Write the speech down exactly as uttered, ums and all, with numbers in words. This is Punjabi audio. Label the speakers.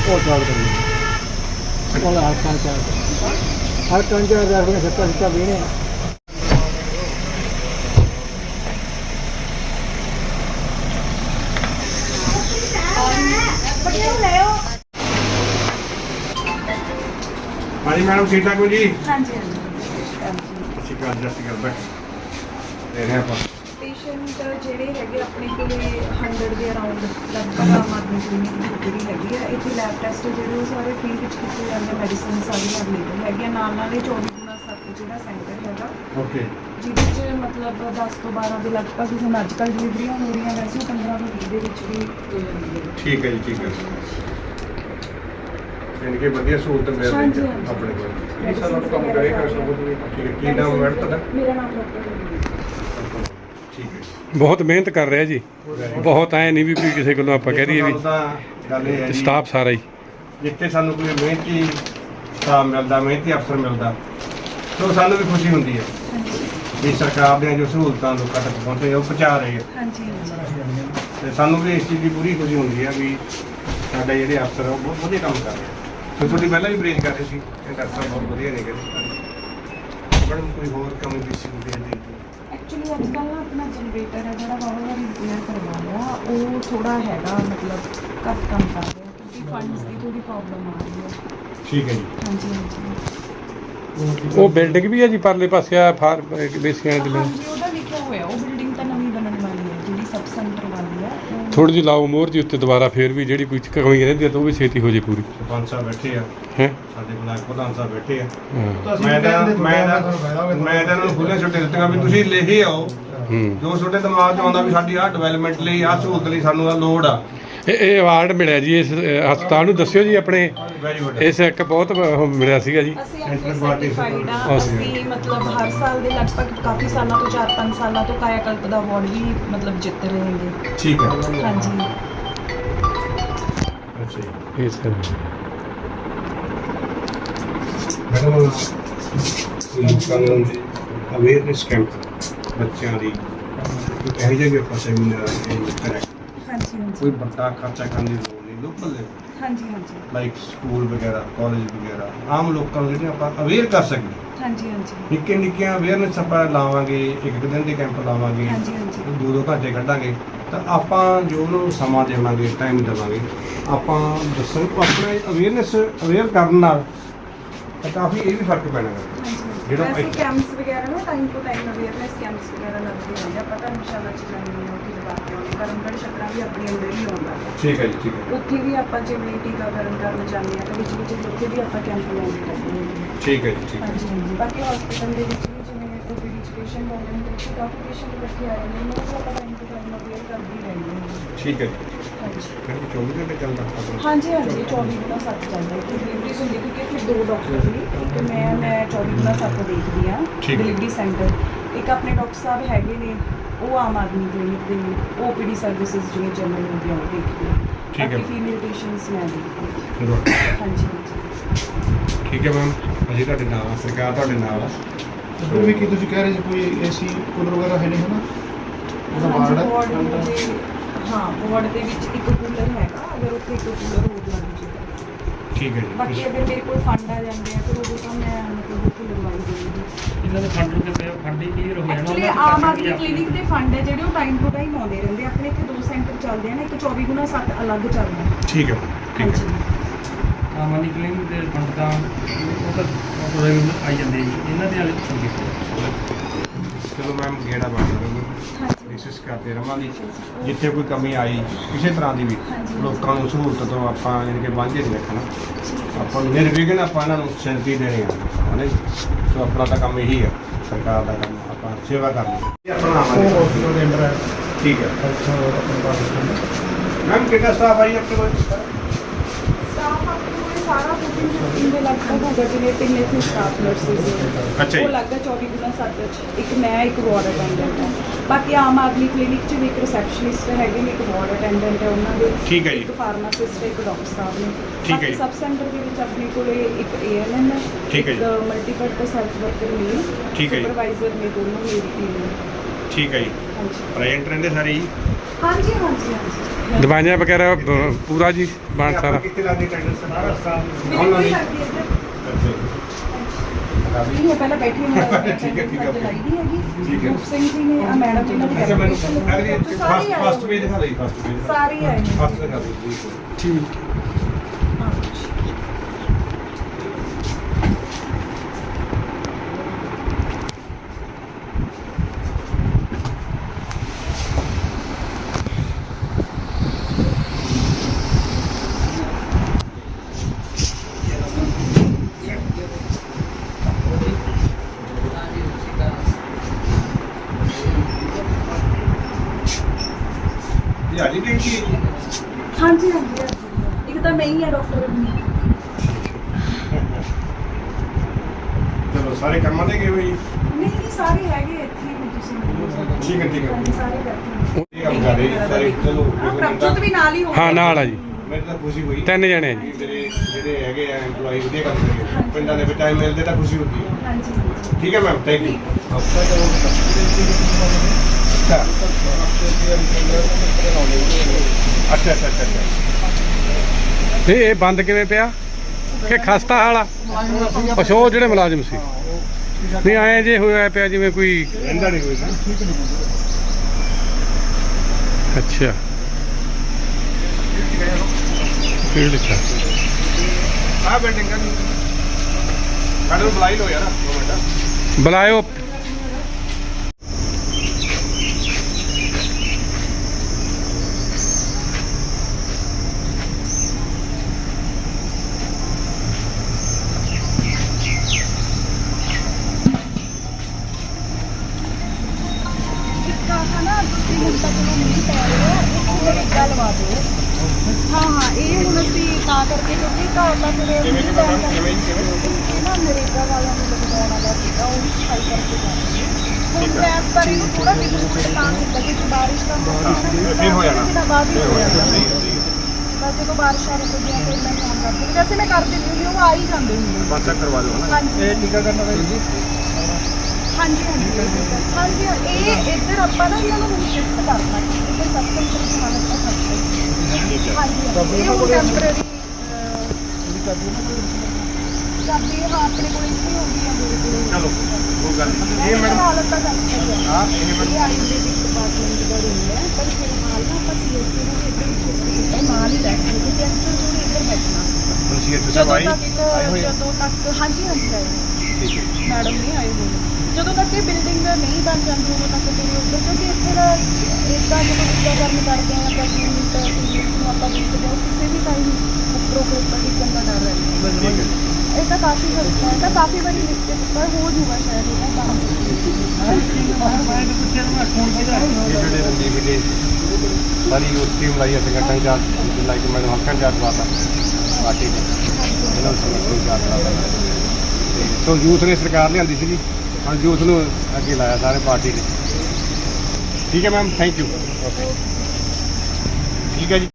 Speaker 1: ਉਹ ਛੱਡ ਦਿੰਦੇ ਉਹ ਹਰ ਕਾਂ ਚਾਰ ਹਰ ਕਾਂ ਚਾਰ ਰੱਖ ਕੇ ਸੱਤਾ ਸੱਤਾ ਵੀ ਨੇ
Speaker 2: हाँ जी मैडम ठीक ठाक हो जी?
Speaker 3: हाँ जी हाँ जी
Speaker 2: अच्छी गल जैसी गल बैठ दे रहे हैं
Speaker 3: पेशेंट ਜਿਹੜੇ ਹੈਗੇ ਆਪਣੇ ਕੋਲੇ हंड्रेड ਦੇ ਅਰਾਊਂਡ ਲਗਭਗ ਆਮ ਆਦਮੀ ਕਲੀਨਿਕ ਦੀ ਜਿਹੜੀ ਹੈਗੀ ਆ ਇੱਥੇ ਲੈਬ ਟੈਸਟ ਜਿਹੜੇ ਉਹ ਸਾਰੇ ਫ੍ਰੀ ਵਿੱਚ ਕੀਤੇ ਜਾਂਦੇ ਮੈਡੀਸਿਨ ਸਾਰੀਆਂ ਅਵੇਲੇਬਲ ਹੈਗੀਆਂ ਨਾਲ ਨਾਲ ਇਹ ਚੌਵੀ ਗੁਣਾ ਸੱਤ ਜਿਹੜਾ ਸੈਂਟਰ ਹੈਗਾ
Speaker 2: ओके
Speaker 3: ਜਿਹਦੇ 'ਚ ਮਤਲਬ ਦਸ ਤੋਂ ਬਾਰਾਂ ਦੇ ਲਗਭਗ ਹੁਣ ਅੱਜ ਕੱਲ੍ਹ ਡਿਲੀਵਰੀਆਂ ਹੋ ਰਹੀਆਂ ਵੈਸੇ ਉਹ ਪੰਦਰਾਂ ਤੋਂ ਵੀਹ ਦੇ ਵਿੱਚ ਵੀ ਹੋ ਜਾਂਦੀ ਹੈ
Speaker 2: ठीक है जी ठीक है इनके बढ़िया सहूलत मिल
Speaker 3: हाँ जी,
Speaker 2: रही
Speaker 3: हाँ
Speaker 2: है
Speaker 3: जी।
Speaker 2: अपने को
Speaker 3: Medicines
Speaker 2: सारा काम
Speaker 3: वगैरह
Speaker 2: करेगा
Speaker 3: सारी।
Speaker 2: सब कुछ ठीक है की नाम मैडम ਤੁਹਾਡਾ
Speaker 3: ਮੇਰਾ ਨਾਮ ਡਾਕਟਰ ਰਣਜੀਤ
Speaker 2: ठीक है
Speaker 4: ਬਹੁਤ ਮਿਹਨਤ ਕਰ ਰਿਹਾ ਜੀ ਬਹੁਤ ਐ ਨਹੀਂ ਵੀ ਕੋਈ ਕਿਸੇ ਕੋਲੋਂ ਆਪਾਂ ਕਹਿ ਦਈਏ ਵੀ
Speaker 2: ਗੱਲ ਇਹ ਹੈ ਜੀ
Speaker 4: ਸਟਾਫ ਸਾਰਾ ਹੀ
Speaker 2: ਜਿੱਥੇ ਸਾਨੂੰ ਕੋਈ ਮਿਹਨਤੀ ਸਟਾਫ ਮਿਲਦਾ ਮਿਹਨਤੀ ਅਫਸਰ ਮਿਲਦਾ ਤਾਂ ਸਾਨੂੰ ਵੀ ਖੁਸ਼ੀ ਹੁੰਦੀ ਹੈ ਵੀ ਸਰਕਾਰ ਦੀਆਂ ਜੋ ਸਹੂਲਤਾਂ ਲੋਕਾਂ ਤੱਕ ਪਹੁੰਚੇ ਉਹ ਪਹੁੰਚਾ ਰਹੇ ਆ
Speaker 3: ਹਾਂਜੀ ਹਾਂਜੀ
Speaker 2: ਤੇ ਸਾਨੂੰ ਵੀ ਇਸ ਚੀਜ਼ ਦੀ ਪੂਰੀ ਖੁਸ਼ੀ ਹੁੰਦੀ ਹੈ ਵੀ ਸਾਡੇ ਜਿਹੜੇ ਅਫਸਰ ਆ ਉਹ ਬਹੁਤ ਵਧੀਆ ਕੰਮ ਕਰ ਰਹੇ ਆ ਤੇ ਤੁਹਾਡੀ ਪਹਿਲਾਂ ਵੀ ਬਰੇਜ ਕਰ ਰਹੇ ਸੀ ਇਹ ਡਾਕਟਰ ਸਾਹਿਬ ਬਹੁਤ ਵਧੀਆ ਨੇ ਕਹਿੰਦੇ ਮੈਡਮ ਕੋਈ ਹੋਰ ਕਮੀ ਪੇਸ਼ੀ ਹੁੰਦੀ ਹੈ ਜੀ
Speaker 3: ਐਕਚੁਅਲੀ ਅੱਜ ਕੱਲ੍ਹ ਨਾ ਆਪਣਾ ਜਨਰੇਟਰ ਹੈ ਜਿਹੜਾ ਬਹੁਤ ਵਾਰੀ ਰਿਪੇਅਰ ਕਰਵਾ ਲਿਆ ਉਹ ਥੋੜਾ ਹੈਗਾ ਮਤਲਬ ਘੱਟ ਕੰਮ ਕਰ ਰਿਹਾ ਕਿਉਂਕਿ ਫੰਡਸ ਦੀ ਥੋੜੀ ਪ੍ਰੋਬਲਮ ਆ ਰਹੀ ਹੈ
Speaker 2: ਠੀਕ ਹੈ ਜੀ
Speaker 3: ਹਾਂਜੀ ਹਾਂਜੀ
Speaker 4: ਉਹ ਬਿਲਡਿੰਗ ਵੀ ਹੈ ਜੀ ਪਰਲੇ ਪਾਸੇ ਆ ਫਾਰ ਬੇਸੀਆਂ ਦੀ
Speaker 3: ਹਾਂਜੀ ਉਹਦਾ ਲਿਖਿਆ ਹੋਇਆ ਉਹ ਬਿਲਡਿੰਗ ਤਾਂ ਨਵੀਂ ਬਣਨ ਵਾਲੀ ਹੈ ਜਿਹੜੀ ਸਬ ਸੈਂਟਰ ਵਾਲੀ ਹੈ ਉਹ-
Speaker 4: ਥੋੜੀ ਜਿਹੀ ਲਾਓ ਮੋਹਰ ਜੀ ਉੱਤੇ ਦੁਬਾਰਾ ਫੇਰ ਵੀ ਜਿਹੜੀ ਕੋਈ ਕਮੀ ਰਹਿੰਦੀ ਹੈ ਤਾਂ ਉਹ ਵੀ ਛੇਤੀ ਹੋ ਜੇ ਪੂਰੀ
Speaker 2: ਸਰਪੰਚ ਸਾਹਿਬ ਬੈਠੇ ਆ
Speaker 4: ਹੈ
Speaker 2: ਸਾਡੇ ਬਲਾਕ ਪ੍ਰਧਾਨ ਸਾਹਿਬ ਬੈਠੇ ਆ
Speaker 4: ਹਾਂ
Speaker 2: ਮੈਂ ਤਾਂ ਮੈਂ ਤਾਂ ਮੈਂ ਤਾਂ ਇਹਨਾਂ ਨੂੰ ਖੁੱਲ੍ਹੀਆਂ ਛੁੱਟੀਆਂ ਦਿੱਤੀਆਂ ਵੀ ਤੁਸੀਂ ਲਿਖੇ ਆਓ
Speaker 4: ਹੂੰ
Speaker 2: ਜੋ ਤੁਹਾਡੇ ਦਿਮਾਗ 'ਚ ਆਉਂਦਾ ਵੀ ਸਾਡੀ ਆਹ ਡਿਵੈਲਪਮੈਂਟ ਲਈ ਆਹ ਸਹੂਲਤ ਲਈ ਸਾਨੂੰ ਆ ਲੋੜ ਆ
Speaker 4: ਇਹ ਇਹ ਅਵਾਰਡ ਮਿਲਿਆ ਜੀ ਇਸ ਅ, ਹਸਪਤਾਲ ਨੂੰ ਦੱਸਿਓ ਜੀ ਆਪਣੇ
Speaker 2: ਵੈਰੀ ਗੁੱਡ
Speaker 4: ਇਸ ਇੱਕ ਬਹੁਤ ਉਹ ਮਿਲਿਆ ਸੀਗਾ ਜੀ
Speaker 3: ਅਸੀਂ
Speaker 2: Enter
Speaker 3: ਆਪਣੇ
Speaker 2: party
Speaker 3: ਸਰਟੀਫਾਈਡ ਆ
Speaker 4: ਅਸੀਂ-
Speaker 3: ਅਸੀਂ ਮਤਲਬ ਹਰ ਸਾਲ ਦੇ ਲਗਭਗ ਕਾਫੀ ਸਾਲਾਂ ਤੋਂ ਚਾਰ ਪੰਜ ਸਾਲਾਂ ਤੋਂ ਕਾਇਆਕਲਪ ਦਾ ਅਵਾਰਡ ਵੀ ਮਤਲਬ ਜਿੱਤ ਰਹੇ ਹੈਗੇ
Speaker 2: ਠੀਕ ਹੈ
Speaker 3: ਹਾਂਜੀ
Speaker 2: ਅੱਛਾ ਜੀ
Speaker 4: ਇਸ
Speaker 2: ਮੈਡਮ ਲੋਕਾਂ ਨੂੰ ਅਵੇਅਰਨੈਸ ਕੈਂਪ ਬੱਚਿਆਂ ਦੀ ਇਹੋ ਜਿਹੇ ਵੀ ਆਪਾਂ ਸੈਮੀਨਾਰ ਕਰਾਂਗੇ
Speaker 3: ਹਾਂਜੀ ਹਾਂਜੀ
Speaker 2: ਕੋਈ ਵੱਡਾ ਖਰਚਾ ਕਰਨ ਦੀ ਲੋੜ ਨਹੀਂ ਲੋਕਲ ਲੈਵਲ
Speaker 3: ਹਾਂਜੀ ਹਾਂਜੀ
Speaker 2: ਲਾਈਕ ਸਕੂਲ ਵਗੈਰਾ ਕਾਲਜ ਵਗੈਰਾ ਆਮ ਲੋਕਾਂ ਨੂੰ ਜਿਹੜੇ ਆਪਾਂ ਅਵੇਅਰ ਕਰ ਸਕੀਏ
Speaker 3: ਹਾਂਜੀ ਹਾਂਜੀ
Speaker 2: ਨਿੱਕੇ ਨਿੱਕੀਆਂ ਅਵੇਅਰਨੈਸ ਆਪਾਂ ਲਾਵਾਂਗੇ ਇੱਕ ਇੱਕ ਦਿਨ ਦੇ ਕੈਂਪ ਲਾਵਾਂਗੇ
Speaker 3: ਹਾਂਜੀ ਹਾਂਜੀ
Speaker 2: ਦੋ ਦੋ ਘੰਟੇ ਕੱਢਾਂਗੇ ਤਾਂ ਆਪਾਂ ਜੋ ਉਹਨੂੰ ਸਮਾਂ ਦੇਵਾਂਗੇ ਟਾਈਮ ਦੇਵਾਂਗੇ ਆਪਾਂ ਦੱਸਣ ਆਪਣੇ ਅਵੇਅਰਨੈਸ ਅਵੇਅਰ ਕਰਨ ਨਾਲ ਤਾਂ ਕਾਫੀ ਇਹ ਵੀ ਫਰਕ ਪੈਣਾ ਹੈ ਜਿਹੜਾ
Speaker 3: ਵੈਸੇ
Speaker 2: ਇੱਕ-
Speaker 3: ਕੈਂਪਸ ਵਗੈਰਾ ਨਾ time to time awareness camps ਵਗੈਰਾ ਲੱਗਦੇ ਰਹਿੰਦੇ ਆਪਾਂ ਧਰਮਸ਼ਾਲਾ ਚ ਜਾਂਦੇ ਹਾਂ ਉੱਥੇ ਲਗਾ ਕੇ ਆਉਂਦੇ ਕਰਮਗੜ੍ਹ ਛੱਕਰਾ ਵੀ ਆਪਣੇ ਅੰਦਰ ਹੀ ਆਉਂਦਾ ਹੈ
Speaker 2: ਠੀਕ ਹੈ ਜੀ ਠੀਕ ਹੈ
Speaker 3: ਉੱਥੇ ਵੀ ਆਪਾਂ ਜਿਵੇਂ ਟੀਕਾਕਰਨ ਕਰਨ ਜਾਂਦੇ ਹਾਂ ਤਾਂ ਵਿੱਚ ਵਿੱਚ ਉੱਥੇ ਵੀ ਆਪਾਂ ਕੈਂਪ ਲਾਉਂਦੇ ਰਹਿੰਦੇ ਹਾਂ
Speaker 2: ਠੀਕ ਹੈ ਜੀ ਠੀਕ ਹੈ
Speaker 3: ਹਾਂਜੀ ਹਾਂਜੀ ਬਾਕੀ ਹਸਪੀਟਲ ਦੇ ਵਿੱਚ ਵੀ ਜਿਵੇਂ ਓਪੀਡੀ ਚ ਪੇਸ਼ੈਂਟ ਆਉਂਦੇ ਨੇ ਉੱਥੇ ਕਾਫੀ ਪੇਸ਼ੈਂਟ ਇਕੱਠੇ ਆਏ ਨੇ ਉਹਨਾਂ ਨੂੰ ਆਪਾਂ ਟਾਈਮ ਟੂ ਟਾਈਮ ਅਵੇਅਰ ਕਰਦੇ ਹੀ ਰਹਿੰਦੇ ਹਾਂ
Speaker 2: ਠੀਕ ਹੈ ਜੀ
Speaker 3: ਹਾਂਜੀ
Speaker 2: ਕਹਿੰਦੇ ਚੌਵੀ ਘੰਟੇ ਚੱਲਦਾ ਆਪਣਾ
Speaker 3: ਹਾਂਜੀ ਹਾਂਜੀ ਚੌਵੀ ਗੁਣਾ ਸੱਤ ਚੱਲਦਾ ਇੱਥੇ ਡਿਲੀਵਰੀਜ਼ ਹੁੰਦੀ ਕਿਉਂਕਿ ਇੱਥੇ ਦੋ ਡਾਕਟਰ ਨੇ ਇੱਕ ਮੈਂ ਮੈਂ ਚੌਵੀ ਗੁਣਾ ਸੱਤ ਦੇਖਦੀ ਹਾਂ
Speaker 2: ਠੀਕ।
Speaker 3: ਡਿਲੀਵਰੀ ਸੈਂਟਰ ਇੱਕ ਆਪਣੇ ਡਾਕਟਰ ਸਾਹਿਬ ਹੈਗੇ ਨੇ ਉਹ ਆਮ ਆਦਮੀ ਕਲੀਨਿਕ ਦੇ ਓਪੀਡੀ ਸਰਵਿਸਿਜ਼ ਜਿਵੇਂ ਜਨਰਲ ਹੁੰਦੀਆਂ ਉਹ ਦੇਖਦੇ ਆ
Speaker 2: ਠੀਕ ਹੈ।
Speaker 3: ਫੀਮੇਲ ਪੇਸ਼ੈਂਟਸ ਮੈਂ ਦੇਖਦੀ
Speaker 2: Good.
Speaker 3: ਹਾਂ। ਹਾਂਜੀ ਹਾਂਜੀ
Speaker 2: ਠੀਕ ਹੈ ਮੈਮ ਅਸੀਂ ਤੁਹਾਡੇ ਨਾਲ ਆ ਸਰਕਾਰ ਤੁਹਾਡੇ ਨਾਲ ਆ
Speaker 1: ਉਹ ਵੀ ਕੀ ਤੁਸੀਂ ਕਹਿ ਰਹੇ ਸੀ ਕੋਈ ਏਸੀ ਕੂਲਰ ਵਗੈਰਾ ਹੈ ਨਹੀਂ ਹੈ ਨਾ ਉਹਦਾ ਵਾਰਡ ਹੈ
Speaker 3: ਵਾਰਡ ਮੁਝੇ ਹਾਂ ਵਾਰਡ ਦੇ ਵਿੱਚ ਇੱਕ ਕੂਲਰ ਹੈਗਾ ਅਗਰ ਉੱਥੇ ਇੱਕ ਕੂਲਰ ਹੋਰ ਲੱਗ ਜਾਵੇ
Speaker 2: ਠੀਕ ਹੈ ਜੀ
Speaker 3: ਬਾਕੀ ਅਗਰ ਮੇਰੇ ਕੋਲ ਫੰਡ ਆ ਜਾਂਦੇ ਆ ਫਿਰ ਉਦੋਂ ਤਾਂ ਮੈਂ ਮਤਲਬ ਉੱਥੇ ਲਗਵਾਈ ਦੇਵਾਂਗੀ
Speaker 5: ਇਹਨਾਂ ਦੇ ਫੰਡ ਰੁਕੇ ਪਏ ਫੰਡ ਹੀ ਕਲੀਅਰ ਹੋ ਜਾਣਾ
Speaker 3: ਐਕਚੁਅਲੀ ਆਮ ਆਦਮੀ ਕਲੀਨਿਕ ਦੇ ਫੰਡ ਹੈ ਜਿਹੜੇ ਉਹ ਟਾਈਮ ਟੂ ਟਾਈਮ ਆਉਂਦੇ ਰਹਿੰਦੇ ਆਪਣੇ ਇੱਥੇ ਦੋ ਸੈਂਟਰ ਚੱਲਦੇ ਆ ਨਾ ਇੱਕ ਚੌਵੀ ਗੁਣਾ ਸੱਤ ਅਲੱਗ ਚੱਲਦਾ
Speaker 2: ਠੀਕ ਹੈ ਠੀਕ ਹੈ
Speaker 3: ਹਾਂਜੀ
Speaker 5: ਆਮ ਆਦਮੀ ਕਲੀਨਿਕ ਦੇ ਫੰਡ ਤਾਂ ਉਹ ਤਾਂ ਉਹ ਰੈਗੂਲਰ ਆਈ ਜਾਂਦੇ ਜੀ ਇਹਨਾਂ ਦੇ ਵਾਲੇ ਚੰਗੇ
Speaker 2: ਚਲੋ ਮੈਮ ਗੇੜਾ ਬਣ ਜਾਵਾਂਗੇ
Speaker 3: ਹਾਂਜੀ
Speaker 2: ਕੋਸ਼ਿਸ਼ ਕਰਦੇ ਰਵਾਂਗੇ ਜਿੱਥੇ ਕੋਈ ਕਮੀ ਆਈ ਕਿਸੇ ਤਰ੍ਹਾਂ ਦੀ ਵੀ
Speaker 3: ਹਾਂਜੀ।
Speaker 2: ਲੋਕਾਂ ਨੂੰ ਸਹੂਲਤ ਤੋਂ ਆਪਾਂ ਯਾਨੀ ਕਿ ਵਾਂਝੇ ਨਹੀਂ ਰੱਖਣਾ ਆਪਾਂ ਨਿਰਵਿਘਨ ਆਪਾਂ ਇਹਨਾਂ ਨੂੰ ਸ਼ਾਂਤੀ ਦੇਣੀ ਆ ਹਨਾ ਜੀ ਸੋ ਆਪਣਾ ਤਾਂ ਕੰਮ ਇਹੀ ਹੈ ਸਰਕਾਰ ਦਾ ਕੰਮ ਆਪਾਂ ਸੇਵਾ ਕਰਨੀ ਇਹ ਆਪਣਾ ਆਵਾਂਗੇ
Speaker 1: ਹਸਪੀਟਲ ਦੇ ਅੰਦਰ ਹੈ
Speaker 2: ਠੀਕ ਹੈ
Speaker 1: ਅੱਛਾ ਹੋਰ ਆਪਣੇ ਪਾਸ
Speaker 2: ਮੈਮ ਕਿੰਨਾ ਸਟਾਫ ਆਈ ਆਪਣੇ ਕੋਲ
Speaker 3: ਸਟਾਫ ਆਪਣੇ ਕੋਲ ਸਾਰਾ ਕੁਕਿੰਗ ਸਿਸਟਮ ਦੇ ਲਗਭਗ ਹੋਗਾ ਜਿਵੇਂ ਤਿੰਨ ਇੱਥੇ ਸਟਾਫ ਨਰਸਿਸ
Speaker 2: ਅੱਛਾ ਜੀ।
Speaker 3: ਉਹ ਲੱਗਾ ਚੌਵੀ ਗੁਣਾ ਸੱਤ ਚ ਇੱਕ ਮੈਂ ਇੱਕ ਵਾਰਡ ਅਟੈਂਡੈਂਟ ਹਾਂ ਬਾਕੀ ਆਮ ਆਦਮੀ ਕਲੀਨਿਕ ਚ ਵੀ ਇੱਕ ਰਿਸੈਪਸ਼ਨਿਸਟ ਹੈਗੇ ਨੇ ਇੱਕ ਵਾਰਡ ਅਟੈਂਡੈਂਟ ਹੈ ਉਹਨਾਂ ਦੇ
Speaker 2: ਠੀਕ ਹੈ ਜੀ।
Speaker 3: ਇੱਕ ਫਾਰਮਾਸਿਸਟ ਇੱਕ ਡਾਕਟਰ ਸਾਹਿਬ ਨੇ
Speaker 2: ਠੀਕ ਹੈ ਜੀ।
Speaker 3: ਸਬ ਸੈਂਟਰ ਦੇ ਵਿੱਚ ਆਪਣੇ ਕੋਲੇ ਇੱਕ ਏਐਨਐਮ ਹੈ
Speaker 2: ਠੀਕ ਹੈ ਜੀ।
Speaker 3: ਇੱਕ ਮਲਟੀਪਰਪਸ ਹੈਲਥ ਵਰਕਰ ਨੇ
Speaker 2: ਠੀਕ ਹੈ ਜੀ।
Speaker 3: ਸੁਪਰਵਾਈਜ਼ਰ ਨੇ ਦੋਨੋਂ ਮੇਰੀ ਟੀਮ ਨੇ
Speaker 2: ਠੀਕ ਹੈ ਜੀ
Speaker 3: ਹਾਂਜੀ
Speaker 2: ਪ੍ਰੈਜ਼ੈਂਟ ਰਹਿੰਦੇ ਸਾਰੇ ਜੀ
Speaker 3: ਹਾਂਜੀ ਹਾਂਜੀ ਹਾਂਜੀ
Speaker 4: ਦਵਾਈਆਂ ਵਗੈਰਾ ਬ- ਪੂਰਾ ਜੀ ਬਣ
Speaker 2: ਆਪਾਂ
Speaker 4: ਸਾਰਾ
Speaker 2: ਕਿੱਥੇ ਲਾਦੇ ਟੈਂਡਰ ਸਾਰਾ ਸਟਾਫ
Speaker 3: ਮੇਰੇ
Speaker 2: ਕੌਣ
Speaker 3: ਕੋਲ
Speaker 2: ਲਾਉਂਦੀ?
Speaker 3: ਹੀ ਕਰਦੀ ਹੈ ਇੱਧਰ।
Speaker 2: ਅੱਛਾ ਜੀ।
Speaker 3: ਨਹੀਂ ਉਹ ਪਹਿਲਾਂ ਬੈਠੀ ਹੋਈ ਹੈ
Speaker 2: ਠੀਕ ਹੈ, ਠੀਕ ਹੈ।
Speaker 3: ਲਾਈ ਨਹੀਂ ਹੈਗੀ
Speaker 2: ਠੀਕ ਹੈ।
Speaker 3: ਰੂਪ ਸਿੰਘ ਜੀ ਨੇ ਆ ਮੈਡਮ ਇਹਨਾਂ ਦੀ
Speaker 2: ਅੱਛਾ ਮੈਨੂੰ
Speaker 3: ਸਾਰੇ
Speaker 2: ਅਗਲੀ
Speaker 3: ਆਏ
Speaker 2: ਫਸਟ
Speaker 3: ਹੋਏ
Speaker 2: ਫਸਟ ਪੇਜ ਦਿਖਾ ਦਿਓ ਫਸਟ ਪੇਜ
Speaker 3: ਸਾਰੇ ਆਏ ਨੇ।
Speaker 2: ਫਸਟ ਦਿਖਾ ਦਿਓ ਜੀ
Speaker 4: ਠੀਕ
Speaker 2: ਇਹ ਆਜੀ ਦੇਖੀ
Speaker 3: ਹਾਂਜੀ ਹਾਂਜੀ ਹਾਂਜੀ। ਇੱਕ ਤਾਂ ਮੈਂ ਹੀ ਆ ਡਾਕਟਰ ਵੀ
Speaker 2: ਚਲੋ ਸਾਰੇ ਕੰਮਾਂ ਤੇ ਗਏ ਹੋਏ ਜੀ
Speaker 3: ਨਹੀਂ ਨਹੀਂ ਸਾਰੇ ਹੈਗੇ ਇੱਥੇ ਹੀ ਤੁਸੀਂ ਮਿਲ ਸਕਦੇ ਹੋ।
Speaker 2: ਠੀਕ ਹੈ, ਠੀਕ ਹੈ।
Speaker 3: ਹਾਂਜੀ, ਸਾਰੇ ਬੈਠੇ ਨੇ।
Speaker 2: ਇਹ ਕੰਮ ਕਰ ਰਹੇ ਜੀ ਸਾਰੇ ਚਲੋ
Speaker 3: ਹਾਂ, ਪ੍ਰਭਜੋਤ ਵੀ ਨਾਲ ਹੀ ਹੋ
Speaker 4: ਹਾਂ ਨਾਲ ਆ ਜੀ
Speaker 2: ਮੈਨੂੰ ਤਾਂ ਖੁਸ਼ੀ ਹੋਈ
Speaker 4: ਤਿੰਨ ਜਣੇ ਆ ਜੀ
Speaker 2: ਵੀ ਮੇਰੇ ਜਿਹੜੇ ਹੈਗੇ ਆ EMPLOYE ਵਧੀਆ ਕੰਮ ਕਰ ਰਹੇ ਆ। ਪਿੰਡਾਂ ਦੇ ਵਿੱਚ ਟਾਈਮ ਮਿਲਦੇ ਤਾਂ ਖੁਸ਼ੀ ਹੁੰਦੀ ਹੈ
Speaker 3: ਹਾਂਜੀ ਹਾਂਜੀ
Speaker 2: ਠੀਕ ਹੈ ਮੈਮ ਥੈਂਕ ਯੂ ਅੱਛਾ ਅੱਛਾ ਅੱਛਾ ਅੱਛਾ
Speaker 4: ਇਹ ਇਹ ਬੰਦ ਕਿਵੇਂ ਪਿਆ ਕਿ ਖਸਤਾ ਹਾਲਾ ਅੱਛਾ ਉਹ ਜਿਹੜੇ ਮੁਲਾਜ਼ਮ ਸੀ ਨਹੀਂ ਆਏ ਜੇ ਹੋਇਆ ਪਿਆ ਜਿਵੇਂ ਕੋਈ
Speaker 2: ਰਹਿੰਦਾ ਨਹੀਂ ਕੋਈ ਨਾ
Speaker 4: ਅੱਛਾ ਫੀਲਡ ਚ
Speaker 2: ਆਹ ਬਿਲਡਿੰਗ ਆ ਸਾਡੇ ਨੂੰ ਬੁਲਾਈ ਲਓ ਯਾਰ ਦੋ ਮਿੰਟ
Speaker 4: ਬੁਲਾਇਓ
Speaker 3: ਇੱਕ ਆਹ ਨਾ ਤੁਸੀਂ ਹੁਣ ਤੱਕ ਨੂੰ ਨਹੀਂ ਪੈ ਰਿਹਾ ਇੱਕ ਨਰੇਗਾ ਲਵਾ ਦਿਓ ਹਾਂ ਹਾਂ ਇਹ ਹੁਣ ਅਸੀਂ ਤਾਂ ਕਰਕੇ ਕਿਉਂਕਿ ਘਰ ਦਾ ਫਿਰ
Speaker 2: ਕਿਵੇਂ ਕਿਵੇਂ ਮੈਮ ਕਿਵੇਂ ਕਿਵੇਂ
Speaker 3: ਇਹ ਨਾ ਨਰੇਗਾ ਵਾਲਿਆਂ ਨੂੰ ਲਗਵਾਉਣ ਵਾਲਾ ਸੀਗਾ ਉਹ ਵੀ ਸਫਾਈ ਕਰਕੇ ਜਾਂਦੇ ਹੁਣ ਮੈਂ ਪਰ ਇਹਨੂੰ ਥੋੜਾ ਡਿਫਿਕਲਟ ਤਾਂ ਕੀਤਾ ਕਿ ਬਾਰਿਸ਼ ਦਾ ਮੌਸਮ ਹੈ ਨਾ,
Speaker 2: ਫਿਰ ਹੋ ਜਾਣਾ।
Speaker 3: ਇਹਦਾ ਬਾਅਦ ਹੀ
Speaker 2: ਫਿਰ
Speaker 3: ਹੋ
Speaker 2: ਹੋ ਜਾਣਾ
Speaker 3: ਜਾਣਾ
Speaker 2: ਸਹੀ ਹੈ, ਸਹੀ ਹੈ।
Speaker 3: ਬਸ ਜਦੋਂ ਬਾਰਿਸ਼ਾਂ ਰੁਕਦੀਆਂ ਫਿਰ ਮੈਂ ਫੋਨ ਕਰ ਦਿੰਦੀ ਵੈਸੇ ਮੈਂ ਕਰ ਦਿੰਦੀ ਹੁੰਦੀ ਉਹ ਆ ਹੀ ਜਾਂਦੇ ਹੁੰਦੇ
Speaker 2: ਬਸ ਚੈੱਕ ਕਰਵਾ ਦਿਓ ਨਾ
Speaker 3: ਹਾਂਜੀ
Speaker 2: ਇਹ ਟੀਕਾ ਕਰਨਾ ਹੈ ਜੀ
Speaker 3: ਹਾਂਜੀ ਹਾਂਜੀ ਹਾਂਜੀ ਇਹ ਇੱਧਰ ਆਪਾਂ ਨਾ ਇਹਨਾਂ ਨੂੰ ਹੁਣ ਸ਼ਿਫਟ ਕਰਨਾ ਹੈ ਇੱਧਰ ਸਬਸਟੈਂਸ ਦੀ ਹਾਲਤ ਦਾ ਸਬਸਟੈਂਸ ਹਾਂਜੀ ਇਹ ਹੁਣ ਟੈਂਪਰੇਰੀ ਚਾਬੀ ਹਾਂ ਆਪਣੇ ਕੋਲ ਇੱਥੇ ਹੀ ਹੁੰਦੀ ਹੈ ਮੇਰੇ ਕੋਲ
Speaker 2: ਚਲੋ ਕੋਈ ਗੱਲ ਨਹੀਂ ਇਹ ਮੈਡਮ
Speaker 3: ਹਾਲਤ ਦਾ ਸਬਸਟੈਂਸ ਹੈ
Speaker 2: ਹਾਂ ਇਹ ਮੈਡਮ
Speaker 3: ਇਹ ਆਯੁਰਵੈਦਿਕ ਡਿਪਾਰਟਮੈਂਟ ਦਾ ਰੂਲ ਹੈ ਪਰ ਫਿਲਹਾਲ ਨਾ ਆਪਾਂ ਸੀਐਚਸੀ ਨੂੰ ਇੱਧਰ ਸ਼ਿਫਟ ਕੀਤਾ ਨਾਲ ਹੀ ਬੈਠੇ ਕਿਉਂਕਿ ਐਕਚੁਅਲ ਨੂੰ ਇੱਧਰ ਬੈਠਣਾ
Speaker 2: ਹੁਣ ਸੀ ਇੱਥੇ ਸਭ
Speaker 3: ਜਦੋਂ
Speaker 2: ਆਈ
Speaker 3: ਤੱਕ
Speaker 2: ਆਏ ਹੋਏ ਆ?
Speaker 3: ਜਦੋਂ ਤੱਕ ਹਾਂਜੀ ਹਾਂਜੀ ਆਏ ਹੋਏ।
Speaker 2: ਠੀਕ ਹੈ
Speaker 3: ਮੈਡਮ ਨਹੀਂ ਆਏ ਹੋਏ ਜਦੋਂ ਤੱਕ ਇਹ ਬਿਲਡਿੰਗ ਨਹੀਂ ਬਣ ਜਾਂਦੀ ਉਦੋਂ ਤੱਕ ਤੇ ਉੱਧਰ ਕਿਉਂਕਿ ਇੱਥੇ ਦਾ ਇਦਾਂ ਜਦੋਂ ਵਿਦਿਆ ਕਰਨ ਕਰਦੇ ਆ ਦਸ ਮਿੰਟ ਸੀਰੀਅਸ ਨੂੰ ਆਪਾਂ ਦੇਖਦੇ ਹਾਂ ਕਿਸੇ ਵੀ ਟਾਈਮ ਉੱਪਰੋਂ ਕੋਈ ਉੱਪਰ ਡਿੱਗਣ ਦਾ ਡਰ ਰਹਿੰਦਾ
Speaker 2: ਠੀਕ ਹੈ
Speaker 3: ਇਹ ਤਾਂ ਕਾਫੀ ਹਲਕਾ ਹੈ ਤਾਂ ਕਾਫੀ ਵਾਰੀ ਲਿਖ ਕੇ ਦਿੱਤਾ ਹੋ ਜੂਗਾ ਸ਼ਾਇਦ ਇਹਦਾ ਕੰਮ
Speaker 2: ਇਹ ਜਿਹੜੇ ਰੰਜੀਤ ਦੇ ਸਾਰੀ ਉਹ ਟੀਮ ਲਾਈ ਅਸੀਂ ਘੰਟਾ ਚਾਰ ਲਾਈਕ ਮੈਨੂੰ ਹਲਕਾ ਚਾਰ ਬਾਤਾ ਪਾਰਟੀ ਦੇ ਇਹਨਾਂ ਨੂੰ ਸਮਝ ਚਾਰ ਬਾਤਾ ਤੇ ਸੋ ਯੂਥ ਨੇ ਸਰਕਾਰ ਲਿਆਂਦੀ ਸੀਗੀ ਹੁਣ ਯੂਥ ਨੂੰ ਅੱਗੇ ਲਾਇਆ ਸਾਰੇ ਪਾਰਟੀ ਨੇ ਠੀਕ ਹੈ ਮੈਮ ਥੈਂਕ ਯੂ ਠੀਕ ਹੈ ਜੀ